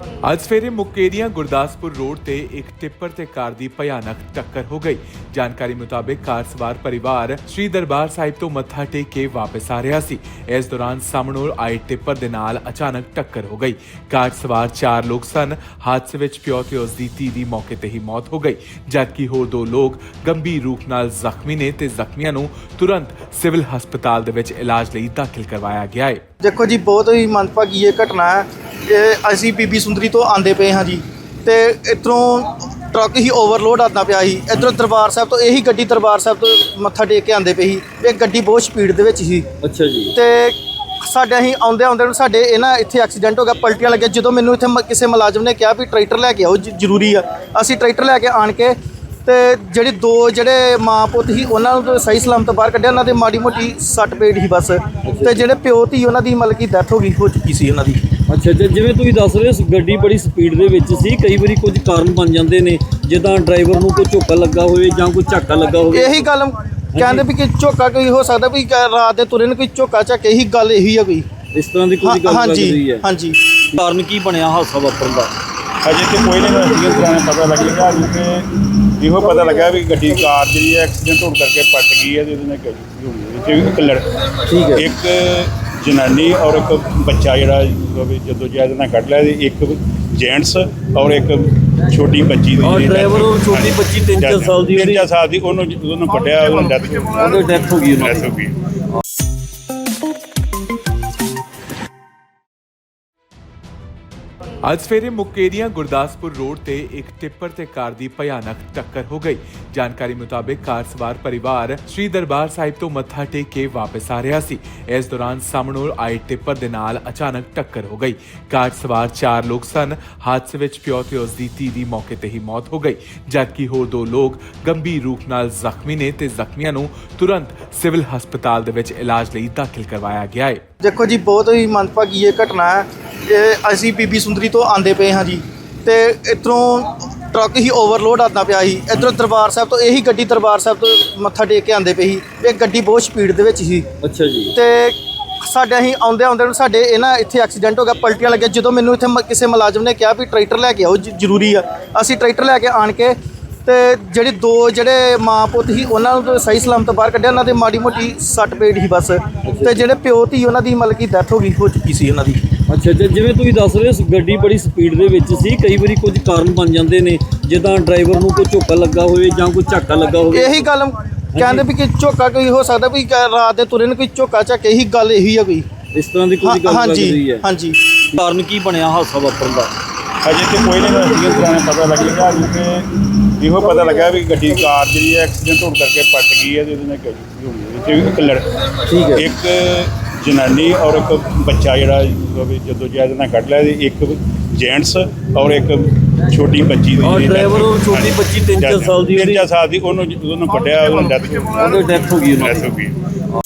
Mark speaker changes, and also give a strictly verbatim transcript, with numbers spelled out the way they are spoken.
Speaker 1: ਅੱਜ ਸਵੇਰੇ ਮੁਕੇਰੀਆਂ ਗੁਰਦਾਸਪੁਰ ਰੋਡ ਤੇ ਇੱਕ ਟਿੱਪਰ ਤੇ ਕਾਰ ਦੀ ਭਿਆਨਕ ਟੱਕਰ ਹੋ ਗਈ। ਜਾਣਕਾਰੀ ਮੁਤਾਬਕ ਕਾਰ ਸਵਾਰ ਪਰਿਵਾਰ ਸ੍ਰੀ ਦਰਬਾਰ ਸਾਹਿਬ ਤੋਂ ਮੱਥਾ ਟੇਕ ਕੇ ਵਾਪਸ ਆ ਰਿਹਾ ਸੀ। ਇਸ ਦੌਰਾਨ ਸਾਹਮਣੋਂ ਆਏ ਟਿੱਪਰ ਦੇ ਨਾਲ ਅਚਾਨਕ ਟੱਕਰ ਹੋ ਗਈ। ਕਾਰ ਸਵਾਰ ਚਾਰ ਲੋਕ ਸਨ। ਹਾਦਸੇ ਵਿੱਚ ਪਿਓ ਤੇ ਉਸ ਦੀ ਧੀ ਦੀ ਮੌਕੇ ਤੇ ਹੀ ਮੌਤ ਹੋ ਗਈ, ਜਦਕਿ ਹੋਰ ਦੋ ਲੋਕ ਗੰਭੀਰ ਰੂਪ ਨਾਲ ਜ਼ਖਮੀ ਨੇ ਤੇ ਜ਼ਖਮੀਆਂ ਨੂੰ ਤੁਰੰਤ ਸਿਵਲ ਹਸਪਤਾਲ ਦੇ ਵਿੱਚ ਇਲਾਜ ਲਈ ਦਾਖਲ ਕਰਵਾਇਆ ਗਿਆ ਹੈ।
Speaker 2: देखो जी, बहुत ही मंदभागी ये घटना है कि असी बीबी सुंदरी तो आते पे हाँ जी, तो इधरों ट्रक ही ओवरलोड आता पाया ही। इधरों दरबार साहब तो यही गड्डी दरबार साहब तो मत्था टेक के आते पे ही। ये गड्डी बहुत स्पीड दे विच सी। अच्छा जी। तो ਸਾਡੇ ਅਸੀਂ ਆਉਂਦੇ ਆਉਂਦੇ ਨੂੰ ਸਾਡੇ ਇਹ ਨਾ ਇੱਥੇ ਐਕਸੀਡੈਂਟ ਹੋ ਗਿਆ, ਪਲਟੀਆਂ ਲੱਗੀਆਂ। ਜਦੋਂ ਮੈਨੂੰ ਇੱਥੇ ਮ- ਕਿਸੇ ਮੁਲਾਜ਼ਮ ਨੇ ਕਿਹਾ ਵੀ ਟਰੈਕਟਰ ਲੈ ਕੇ ਆਓ, ਜ- ਜ਼ਰੂਰੀ ਆ। ਅਸੀਂ ਟਰੈਕਟਰ ਲੈ ਕੇ ਆਣ ਕੇ ਤੇ ਜਿਹੜੇ ਦੋ ਜਿਹੜੇ ਮਾਂ ਪੁੱਤ ਸੀ ਉਹਨਾਂ ਨੂੰ ਤਾਂ ਸਹੀ ਸਲਾਮਤ ਬਾਹਰ ਕੱਢਿਆ। ਉਹਨਾਂ ਦੇ ਮਾੜੀ ਮੋਟੀ ਸੱਟ ਪੇਟ ਸੀ ਬਸ, ਤੇ ਜਿਹੜੇ ਪਿਓ ਧੀ ਉਹਨਾਂ ਦੀ ਮਤਲਬ ਕਿ ਡੈਥ ਹੋ ਗਈ ਹੋ ਚੁੱਕੀ ਸੀ ਉਹਨਾਂ ਦੀ।
Speaker 3: ਅੱਛਾ ਅੱਛਾ, ਜਿਵੇਂ ਤੁਸੀਂ ਦੱਸ ਰਹੇ ਹੋ ਗੱਡੀ ਬੜੀ ਸਪੀਡ ਦੇ ਵਿੱਚ ਸੀ, ਕਈ ਵਾਰੀ ਕੁਝ ਕਾਰਨ ਬਣ ਜਾਂਦੇ ਨੇ, ਜਿੱਦਾਂ ਡਰਾਈਵਰ ਨੂੰ ਕੋਈ ਝੋਕਾ ਲੱਗਾ ਹੋਵੇ ਜਾਂ ਕੋਈ ਝਾਕਾ ਲੱਗਾ ਹੋਵੇ।
Speaker 2: ਇਹੀ ਗੱਲ ਕਹਿੰਦੇ ਵੀ ਕਿ ਝੋਕਾ ਕੋਈ ਹੋ ਸਕਦਾ ਵੀ ਰਾਤ ਦੇ ਤੁਰੇ ਨੂੰ ਕੋਈ ਝੋਕਾ ਝਾਕੇ, ਇਹੀ ਗੱਲ ਇਹੀ ਆ ਕੋਈ
Speaker 3: ਇਸ ਤਰ੍ਹਾਂ ਦੀ ਕੋਈ ਗੱਲ ਲੱਗ ਰਹੀ ਹੈ।
Speaker 2: ਹਾਂਜੀ।
Speaker 3: ਕਾਰਨ ਕੀ ਬਣਿਆ ਹਾਦਸਾ ਵਾਪਰਨ ਦਾ?
Speaker 4: ਅਜੇ ਤੇ ਕੋਈ ਨਹੀਂ ਹੋਇਆ, ਤਰ੍ਹਾਂ ਪਤਾ ਲੱਗੇਗਾ। ਅਜੇ ਤੇ ਇਹੋ ਪਤਾ ਲੱਗਾ ਵੀ ਗੱਡੀ ਕਾਰ ਜਿਹੜੀ ਹੈ ਐਕਸੀਡੈਂਟ ਹੋਣ ਕਰਕੇ ਪਲਟ ਗਈ ਹੈ, ਜਿਹਦੇ ਨਾਲ ਗੱਡੀ ਹੋਣੀ ਹੈ। ਇੱਕ ਲੜ
Speaker 3: ਠੀਕ ਹੈ।
Speaker 4: ਇੱਕ ਜਨਾਨੀ ਔਰ ਇੱਕ ਬੱਚਾ ਜਿਹੜਾ ਜਦੋਂ ਜੈਦ ਨਾਲ ਕੱਢ ਲਿਆ, ਇੱਕ ਜੈਂਟਸ ਔਰ ਇੱਕ ਛੋਟੀ ਬੱਚੀ ਦੀ
Speaker 3: ਔਰ ਡਰਾਈਵਰ ਔਰ ਛੋਟੀ ਬੱਚੀ ਤਿੰਨ ਚਾਰ ਸਾਲ ਦੀ
Speaker 4: ਤਿੰਨ ਚਾਰ ਸਾਲ ਦੀ ਉਹਨੂੰ ਉਹਨੂੰ ਕੱਢਿਆ, ਉਹਨੂੰ ਡੈਥ
Speaker 3: ਉਹਦੀ ਡੈਥ ਹੋ ਗਈ।
Speaker 4: ਡੈਥ ਹੋ ਗਈ।
Speaker 1: ਅੱਜ ਸਵੇਰੇ ਮੁਕੇਰੀਆਂ ਗੁਰਦਾਸਪੁਰ ਰੋਡ ਤੇ ਇੱਕ ਟਿੱਪਰ ਤੇ ਕਾਰ ਦੀ ਭਿਆਨਕ ਟੱਕਰ ਹੋ ਗਈ। ਜਾਣਕਾਰੀ ਮੁਤਾਬਕ ਕਾਰ ਸਵਾਰ ਪਰਿਵਾਰ ਸ੍ਰੀ ਦਰਬਾਰ ਸਾਹਿਬ ਤੋਂ ਮੱਥਾ ਟੇਕ ਕੇ ਵਾਪਸ ਆ ਰਿਹਾ ਸੀ। ਇਸ ਦੌਰਾਨ ਸਾਹਮਣੋਂ ਆਏ ਟਿੱਪਰ ਦੇ ਨਾਲ ਅਚਾਨਕ ਟੱਕਰ ਹੋ ਗਈ। ਕਾਰ ਸਵਾਰ ਚਾਰ ਲੋਕ ਸਨ। ਹਾਦਸੇ ਵਿੱਚ ਪਿਓ ਤੇ ਉਸ ਦੀ ਧੀ ਦੀ ਮੌਕੇ ਤੇ ਹੀ ਮੌਤ ਹੋ ਗਈ, ਜਦਕਿ ਹੋਰ ਦੋ ਲੋਕ ਗੰਭੀਰ ਰੂਪ ਨਾਲ ਜ਼ਖਮੀ ਨੇ ਤੇ ਜ਼ਖਮੀਆਂ ਨੂੰ ਤੁਰੰਤ ਸਿਵਲ ਹਸਪਤਾਲ ਦੇ ਵਿੱਚ ਇਲਾਜ ਲਈ ਦਾਖਲ ਕਰਵਾਇਆ ਗਿਆ ਹੈ।
Speaker 2: ਦੇਖੋ ਜੀ, ਬਹੁਤ ਹੀ ਮੰਦਭਾਗੀ ਇਹ ਘਟਨਾ ਹੈ ਕਿ ਅਸੀਂ ਬੀਬੀ ਸੁੰਦਰੀ ਤੋਂ ਆਉਂਦੇ ਪਏ ਹਾਂ ਜੀ, ਤੇ ਇੱਧਰੋਂ ਟਰੱਕ ਹੀ ਓਵਰਲੋਡ ਆਉਂਦਾ ਪਿਆ ਸੀ। ਇੱਧਰੋਂ ਦਰਬਾਰ ਸਾਹਿਬ ਤੋਂ ਇਹੀ ਗੱਡੀ ਦਰਬਾਰ ਸਾਹਿਬ ਤੋਂ ਮੱਥਾ ਟੇਕ ਕੇ ਆਉਂਦੇ ਪਏ ਸੀ। ਇਹ ਗੱਡੀ ਬਹੁਤ ਸਪੀਡ ਦੇ ਵਿੱਚ ਸੀ।
Speaker 3: ਅੱਛਾ ਜੀ।
Speaker 2: ਤੇ ਸਾਡੇ ਅਸੀਂ ਆਉਂਦੇ ਆਉਂਦੇ ਨੂੰ ਸਾਡੇ ਇਹ ਨਾ ਇੱਥੇ ਐਕਸੀਡੈਂਟ ਹੋ ਗਿਆ, ਪਲਟੀਆਂ ਲੱਗੀਆਂ। ਜਦੋਂ ਮੈਨੂੰ ਇੱਥੇ ਮ- ਕਿਸੇ ਮੁਲਾਜ਼ਮ ਨੇ ਕਿਹਾ ਵੀ ਟਰੈਕਟਰ ਲੈ ਕੇ ਆਓ, ਜ- ਜ਼ਰੂਰੀ ਆ। ਅਸੀਂ ਟਰੈਕਟਰ ਲੈ ਕੇ ਆਣ ਕੇ ਤੇ ਜਿਹੜੇ ਦੋ ਜਿਹੜੇ ਮਾਂ ਪੁੱਤ ਸੀ ਉਹਨਾਂ ਨੂੰ ਤਾਂ ਸਹੀ ਸਲਾਮਤ ਬਾਹਰ ਕੱਢਿਆ। ਉਹਨਾਂ ਦੇ ਮਾੜੀ ਮੋਟੀ ਸੱਟ ਪੇਟ ਸੀ ਬਸ, ਤੇ ਜਿਹੜੇ ਪਿਓ ਧੀ ਉਹਨਾਂ ਦੀ ਮਤਲਬ ਕਿ ਡੈਥ ਹੋ ਗਈ ਹੋ ਚੁੱਕੀ ਸੀ ਉਹਨਾਂ ਦੀ।
Speaker 3: ਅੱਛਾ ਅੱਛਾ, ਜਿਵੇਂ ਤੁਸੀਂ ਦੱਸ ਰਹੇ ਹੋ ਗੱਡੀ ਬੜੀ ਸਪੀਡ ਦੇ ਵਿੱਚ ਸੀ, ਕਈ ਵਾਰੀ ਕੁਝ ਕਾਰਨ ਬਣ ਜਾਂਦੇ ਨੇ, ਜਿੱਦਾਂ ਡਰਾਈਵਰ ਨੂੰ ਕੋਈ ਝੋਕਾ ਲੱਗਾ ਹੋਵੇ ਜਾਂ ਕੋਈ ਝਾਕਾ ਲੱਗਾ ਹੋਵੇ।
Speaker 2: ਇਹੀ ਗੱਲ ਕਹਿੰਦੇ ਵੀ ਕਿ ਝੋਕਾ ਕੋਈ ਹੋ ਸਕਦਾ ਵੀ ਰਾਤ ਦੇ ਤੁਰੇ ਨੂੰ ਕੋਈ ਝੋਕਾ ਝਾਕੇ, ਇਹੀ ਗੱਲ ਇਹੀ ਆ ਕੋਈ।
Speaker 3: ਇਸ ਤਰ੍ਹਾਂ ਦੀ ਕੋਈ ਗੱਲ ਲੱਗ ਰਹੀ ਹੈ।
Speaker 2: ਹਾਂਜੀ।
Speaker 3: ਕਾਰਨ ਕੀ ਬਣਿਆ ਹਾਦਸਾ ਵਾਪਰਨ ਦਾ?
Speaker 4: ਅਜੇ ਤੇ ਕੋਈ ਨਹੀਂ ਹੋਇਆ, ਤਰ੍ਹਾਂ ਪਤਾ ਲੱਗੇਗਾ। ਅਜੇ ਤੇ ਇਹੋ ਪਤਾ ਲੱਗਾ ਵੀ ਗੱਡੀ ਕਾਰ ਜਿਹੜੀ ਹੈ ਐਕਸੀਡੈਂਟ ਹੋਣ ਕਰਕੇ ਪਲਟ ਗਈ ਹੈ, ਜਿਹਦੇ ਨਾਲ ਗੱਡੀ ਹੋਣੀ ਹੈ। ਇੱਕ ਲੜ
Speaker 3: ਠੀਕ ਹੈ।
Speaker 4: ਇੱਕ ਜਨਾਨੀ ਔਰ ਇੱਕ ਬੱਚਾ ਜਿਹੜਾ ਜਦੋਂ ਜੈਦ ਨਾਲ ਕੱਢ ਲਿਆ, ਇੱਕ ਜੈਂਟਸ ਔਰ ਇੱਕ ਛੋਟੀ ਬੱਚੀ ਦੀ
Speaker 3: ਔਰ ਡਰਾਈਵਰ ਔਰ ਛੋਟੀ ਬੱਚੀ ਤਿੰਨ ਚਾਰ ਸਾਲ ਦੀ
Speaker 4: ਤਿੰਨ ਚਾਰ ਸਾਲ ਦੀ ਉਹਨੂੰ ਉਹਨੂੰ ਕੱਢਿਆ, ਉਹਨੂੰ ਡੈਥ
Speaker 3: ਉਹਦੀ ਡੈਥ ਹੋ ਗਈ।
Speaker 4: ਡੈਥ ਹੋ ਗਈ।